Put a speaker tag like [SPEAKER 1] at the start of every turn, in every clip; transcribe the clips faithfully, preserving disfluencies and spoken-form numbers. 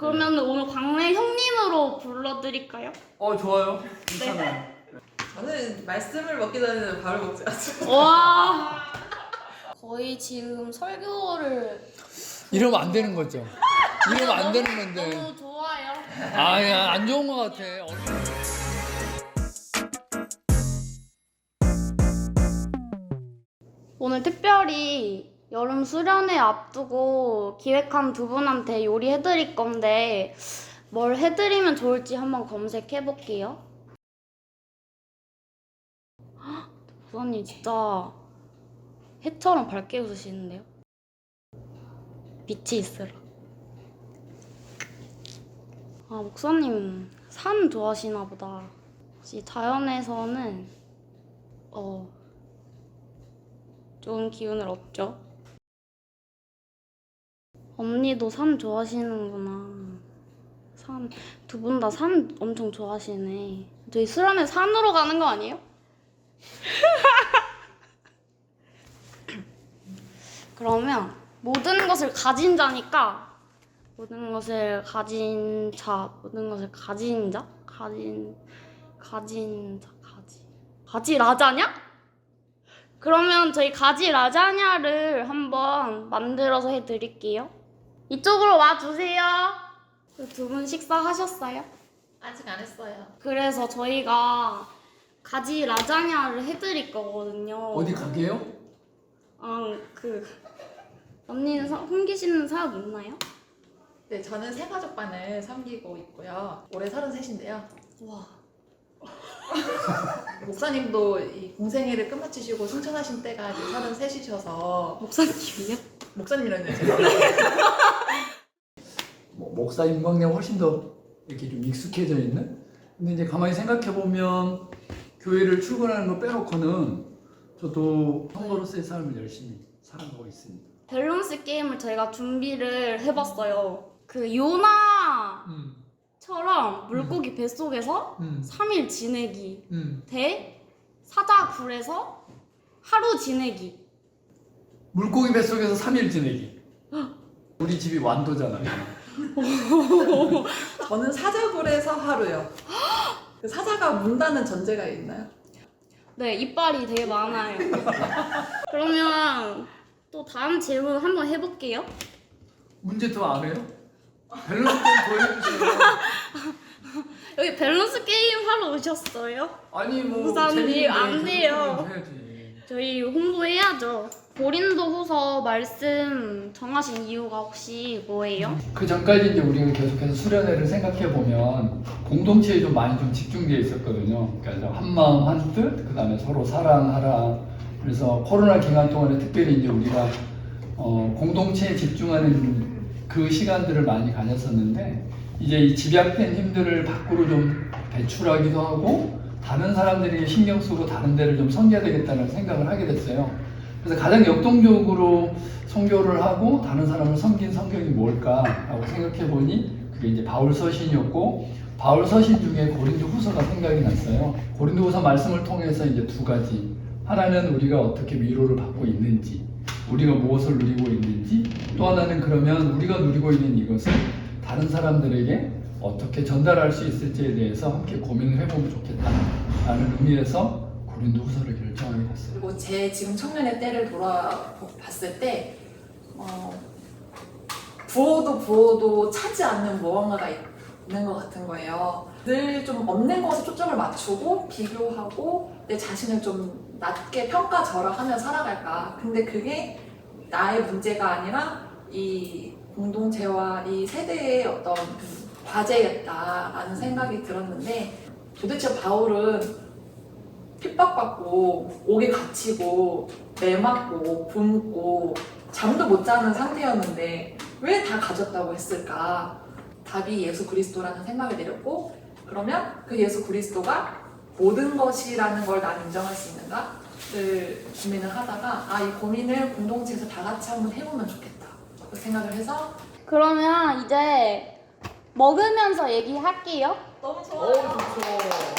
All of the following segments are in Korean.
[SPEAKER 1] 그러면 오늘 광래 형님으로 불러드릴까요?
[SPEAKER 2] 어 좋아요. 괜찮아요.
[SPEAKER 1] 네.
[SPEAKER 3] 저는 말씀을 먹기 전에는 밥을 먹지 않습니다.
[SPEAKER 1] 와. 거의 지금 설교를
[SPEAKER 2] 이러면 안 되는 거죠. 이러면 안 되는 건데.
[SPEAKER 1] 너무 좋아요.
[SPEAKER 2] 아야 안 좋은 거 같아.
[SPEAKER 1] 오늘 특별히 여름 수련회 앞두고 기획한 두 분한테 요리해드릴 건데 뭘 해드리면 좋을지 한번 검색해볼게요. 부사님 진짜 해처럼 밝게 웃으시는데요? 빛이 있으라. 아, 목사님 산 좋아하시나 보다. 혹시 자연에서는 어 좋은 기운을 얻죠? 언니도 산 좋아하시는구나. 산, 두 분 다 산 엄청 좋아하시네. 저희 수련회 산으로 가는 거 아니에요? 그러면 모든 것을 가진 자니까 모든 것을 가진 자, 모든 것을 가진 자? 가진, 가진 자, 가지. 가지 라자냐? 그러면 저희 가지 라자냐를 한번 만들어서 해드릴게요. 이쪽으로 와주세요. 두 분 식사하셨어요?
[SPEAKER 3] 아직 안 했어요.
[SPEAKER 1] 그래서 저희가 가지 라자냐를 해드릴 거거든요.
[SPEAKER 2] 어디 가게요?
[SPEAKER 1] 아, 그 언니는 사, 섬기시는 사역 있나요?
[SPEAKER 3] 네, 저는 새가족반을 섬기고 있고요. 올해 서른셋인데요.
[SPEAKER 1] 와.
[SPEAKER 3] 목사님도 이 공생애를 끝마치시고 승천하신 때가 이제 서른셋이셔서
[SPEAKER 1] 목사님이요?
[SPEAKER 3] 목사님이라는 제가
[SPEAKER 2] 뭐, 목사 임광래 훨씬 더 이렇게 좀 익숙해져 있는. 근데 이제 가만히 생각해 보면 교회를 출근하는 거 빼놓고는 저도 성도로서의 삶을 열심히 살아가고 있습니다.
[SPEAKER 1] 밸런스 게임을 저희가 준비를 해봤어요. 그 요나처럼
[SPEAKER 2] 음,
[SPEAKER 1] 물고기 뱃속에서
[SPEAKER 2] 음,
[SPEAKER 1] 삼 일 지내기
[SPEAKER 2] 음.
[SPEAKER 1] 대 사자굴에서 하루 지내기.
[SPEAKER 2] 물고기 뱃속에서 삼 일 지내기. 우리 집이 완도잖아요.
[SPEAKER 3] 저는 사자굴에서 하루요. 그 사자가 문다는 전제가 있나요?
[SPEAKER 1] 네, 이빨이 되게 많아요. 그러면 또 다음 질문 한번 해볼게요.
[SPEAKER 2] 문제 더 안 해요? 밸런스 게임 더 해주세요.
[SPEAKER 1] 여기 밸런스 게임 하러 오셨어요?
[SPEAKER 2] 아니 뭐
[SPEAKER 1] 부사님,
[SPEAKER 2] 재밌는데
[SPEAKER 1] 안 돼요.
[SPEAKER 2] 해야지.
[SPEAKER 1] 저희 홍보해야죠. 고린도 후서 말씀 정하신 이유가 혹시 뭐예요?
[SPEAKER 2] 그 전까지 이제 우리가 계속해서 수련회를 생각해 보면 공동체에 좀 많이 좀 집중되어 있었거든요. 그래서 한 마음 한 뜻, 그 다음에 서로 사랑하라. 그래서 코로나 기간 동안에 특별히 이제 우리가 어, 공동체에 집중하는 그 시간들을 많이 가졌었는데 이제 이 집약된 힘들을 밖으로 좀 배출하기도 하고 다른 사람들이 신경 쓰고 다른 데를 좀 섬겨야 되겠다는 생각을 하게 됐어요. 그래서 가장 역동적으로 선교를 하고 다른 사람을 섬긴 성경이 뭘까라고 생각해 보니 그게 이제 바울 서신이었고 바울 서신 중에 고린도 후서가 생각이 났어요. 고린도 후서 말씀을 통해서 이제 두 가지. 하나는 우리가 어떻게 위로를 받고 있는지, 우리가 무엇을 누리고 있는지, 또 하나는 그러면 우리가 누리고 있는 이것을 다른 사람들에게 어떻게 전달할 수 있을지에 대해서 함께 고민을 해보면 좋겠다라는 의미에서 고린도 후서를 결정하게 됐어요.
[SPEAKER 3] 그리고 제 지금 청년의 때를 돌아봤을 때 어, 부어도 부어도 차지 않는 무언가가 있는 것 같은 거예요. 늘 좀 없는 것에 초점을 맞추고 비교하고 내 자신을 좀 낮게 평가절하하며 살아갈까. 근데 그게 나의 문제가 아니라 이 공동체와 이 세대의 어떤 과제였다라는 생각이 들었는데 도대체 바울은 핍박받고 옥에 갇히고 매 맞고 굶고 잠도 못 자는 상태였는데 왜 다 가졌다고 했을까? 답이 예수 그리스도라는 생각을 내렸고 그러면 그 예수 그리스도가 모든 것이라는 걸 난 인정할 수 있는가를 고민을 하다가 아, 이 고민을 공동체에서 다 같이 한번 해보면 좋겠다 그 생각을 해서
[SPEAKER 1] 그러면 이제 먹으면서 얘기할게요.
[SPEAKER 3] 너무
[SPEAKER 2] 오, 좋죠.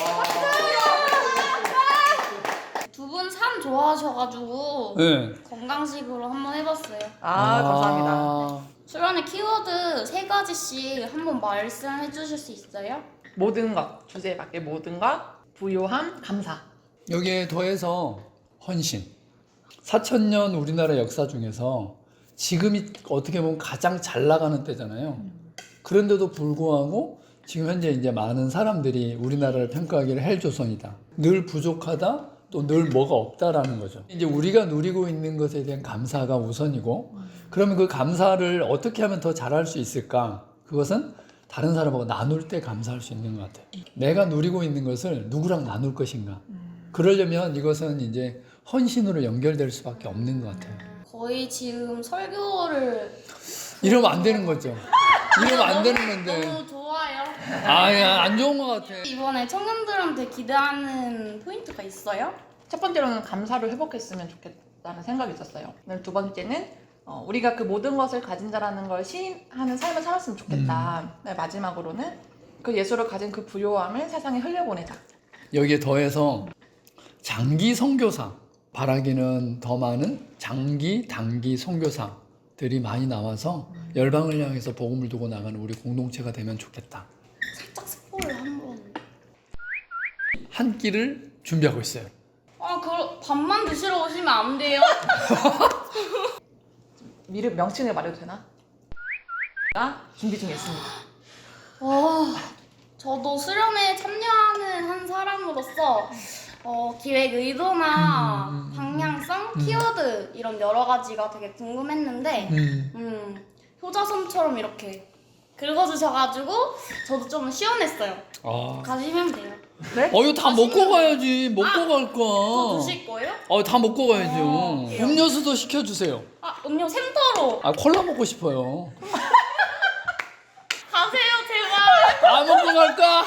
[SPEAKER 1] 두 분 산 좋아하셔가지고
[SPEAKER 2] 네.
[SPEAKER 1] 건강식으로 한번 해봤어요.
[SPEAKER 3] 아, 감사합니다.
[SPEAKER 1] 수련회 키워드 세 가지씩 한번 말씀해 주실 수 있어요?
[SPEAKER 3] 모든 것, 주제에 맞게 모든 것, 부요함, 감사.
[SPEAKER 2] 여기에 더해서 헌신. 사천 년 우리나라 역사 중에서 지금이 어떻게 보면 가장 잘 나가는 때잖아요. 그런데도 불구하고 지금 현재 이제 많은 사람들이 우리나라를 평가하기를 헬조선이다. 늘 부족하다. 또 늘 뭐가 없다라는 거죠. 이제 우리가 누리고 있는 것에 대한 감사가 우선이고, 그러면 그 감사를 어떻게 하면 더 잘할 수 있을까? 그것은 다른 사람하고 나눌 때 감사할 수 있는 것 같아요. 내가 누리고 있는 것을 누구랑 나눌 것인가? 그러려면 이것은 이제 헌신으로 연결될 수밖에 없는 것 같아요.
[SPEAKER 1] 거의 지금 설교를
[SPEAKER 2] 이러면 안 되는 거죠. 이러면 안 되는 건데.
[SPEAKER 1] 너무 좋아요.
[SPEAKER 2] 아야, 안 좋은 것 같아.
[SPEAKER 1] 이번에 청년들한테 기대하는 포인트가 있어요?
[SPEAKER 3] 첫 번째로는 감사를 회복했으면 좋겠다는 생각이 있었어요. 두 번째는 어, 우리가 그 모든 것을 가진 자라는 걸 시인하는 삶을 살았으면 좋겠다. 네, 마지막으로는 그 예수를 가진 그 부요함을 세상에 흘려보내자.
[SPEAKER 2] 여기에 더해서 장기 선교사, 바라기는 더 많은 장기, 단기 선교사들이 많이 나와서 열방을 향해서 복음을 두고 나가는 우리 공동체가 되면 좋겠다.
[SPEAKER 1] 살짝 스포를 한번.
[SPEAKER 2] 한 끼를 준비하고 있어요.
[SPEAKER 1] 아, 그 밥만 드시러 오시면 안 돼요?
[SPEAKER 3] 미르 명칭을 말해도 되나? 가 준비 중에 있습니다.
[SPEAKER 1] 와, 저도 수련회에 참여하는 한 사람으로서 어, 기획 의도나
[SPEAKER 2] 음, 음, 음,
[SPEAKER 1] 방향성,
[SPEAKER 2] 음.
[SPEAKER 1] 키워드 이런 여러 가지가 되게 궁금했는데
[SPEAKER 2] 음.
[SPEAKER 1] 음, 효자손처럼 이렇게 긁어주셔가지고 저도 좀 시원했어요.
[SPEAKER 2] 아.
[SPEAKER 1] 가시면 돼요.
[SPEAKER 3] 네?
[SPEAKER 2] 어, 이거 다 먹고 가야지. 먹고 갈
[SPEAKER 1] 더
[SPEAKER 2] 거야.
[SPEAKER 1] 드실 거예요?
[SPEAKER 2] 어, 다 먹고 가야죠.
[SPEAKER 1] 어.
[SPEAKER 2] 음료수도 시켜주세요.
[SPEAKER 1] 아, 음료 샘터로
[SPEAKER 2] 아, 콜라 먹고 싶어요.
[SPEAKER 1] 가세요, 제발.
[SPEAKER 2] 다 먹고 갈까?